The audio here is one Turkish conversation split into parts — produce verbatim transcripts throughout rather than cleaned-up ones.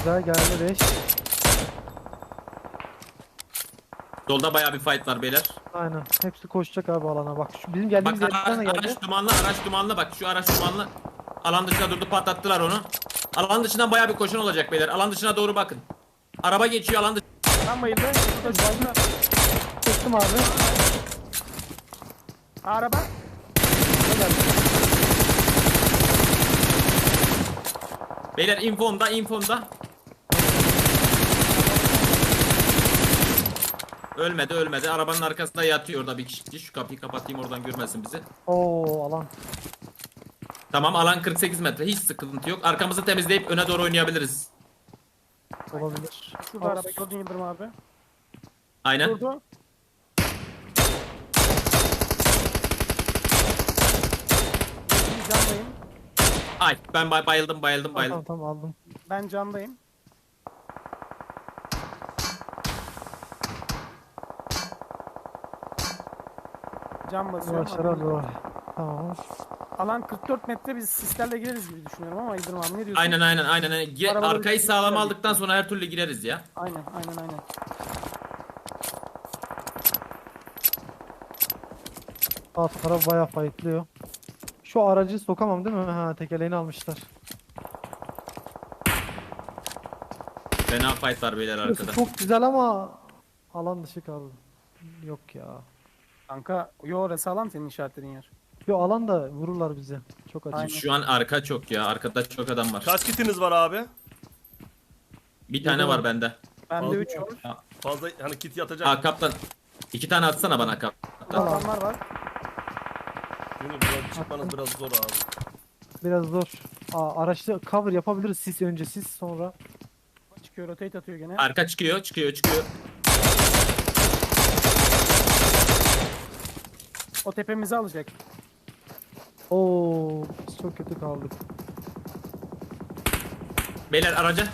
Güzel geldi beş. Solda bayağı bir fight var beyler. Aynen. Hepsi koşacak abi alana. Bak şu bizim Bak geldiğimiz araç, yerden de geldi. araç dumanlı, araç dumanlı bak şu araç dumanlı. Alan dışına durdu, patlattılar onu. Alan dışından bayağı bir koşun olacak beyler. Alan dışına doğru bakın. Araba geçiyor alan dışına. Tam bayıldı. Şurada şu anda. Çektim abi. Araba. Beyler infomda, infomda. Ölmedi, ölmedi. Arabanın arkasında yatıyor orada bir kişi. Şu kapıyı kapatayım oradan görmesin bizi. Oo alan. Tamam, alan kırk sekiz metre. Hiç sıkıntı yok. Arkamızı temizleyip öne doğru oynayabiliriz. Olabilir. Şurada araba gördün Yıldırım abi. Aynen. Durdu. Bir candayım. Ay ben bay- bayıldım, bayıldım, Tamam bayıldım. tamam aldım. Ben candayım. Cam basıyorum. Yavaşlara doğru. Tamam. Alan kırk dört metre, biz sislerle gireriz gibi düşünüyorum ama Yıldırım abi ne diyorsun? Aynen aynen aynen. aynen. Ge- Arabaları Arkayı bir- sağlam aldıktan sonra her türlü gireriz ya. Aynen aynen aynen. Alt taraf bayağı fightlıyor. Şu aracı sokamam değil mi? Ha tekerleğini almışlar. Fena fight var beyler Burası arkada. çok güzel ama alan dışı kaldı. Yok ya. Kanka yo orası alan senin işaretlediğin yer. Yo alan da vururlar bizi. Çok açık. Aynen. Şu an arka çok ya. Arkada çok adam var. Kaç kitiniz var abi? Bir tane var bende. Bende Fazla- üç var. Fazla hani kit yatacak. Aa kaptan. İki tane atsana bana kaptan. Adamlar var. Çünkü buradan çıkmanız biraz zor abi. Biraz zor. Aa, araçta cover yapabiliriz. Sis önce sis sonra. Çıkıyor, rotate atıyor gene. Arka çıkıyor, çıkıyor, çıkıyor. O tepemizi alacak. Oo, biz çok kötü kaldık. Beyler araca.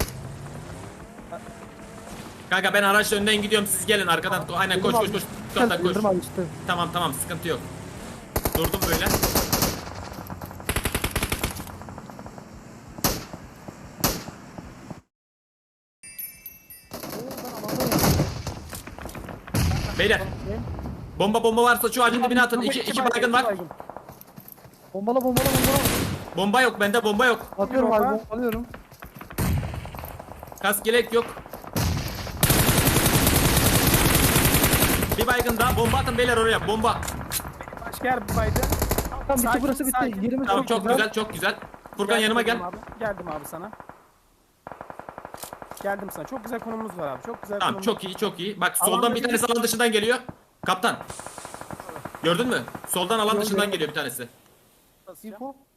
Kanka ben araçla önden gidiyorum, siz gelin arkadan. Aynen koş koş koş. Kaptan koş. Yıldırım abi işte. Tamam tamam, sıkıntı yok. Durdum böyle. Beyler bomba bomba varsa şu ağacın dibine atın. İki, iki baygın var. Bombala bombala bombala. Bomba yok bende, bomba yok. Atıyorum bomba. abi bombalıyorum. Kask gerek yok. Bir baygın daha, bomba atın beyler oraya, bomba. Başka yer baydı. Tamam bitti Sakin, burası bitti. sakin. Yerimiz Tamam çok güzel, çok güzel. Furkan Geldim yanıma gel. Yıldırım Abi. Geldim abi sana. Geldim sana. Çok güzel konumumuz var abi. Çok güzel Tamam konumumuz. çok iyi, çok iyi. Bak Alan soldan bir dışı- tanesi alan dışından geliyor. Kaptan. Gördün mü? Soldan alan Gördüm. dışından geliyor bir tanesi. Basacağım. Info.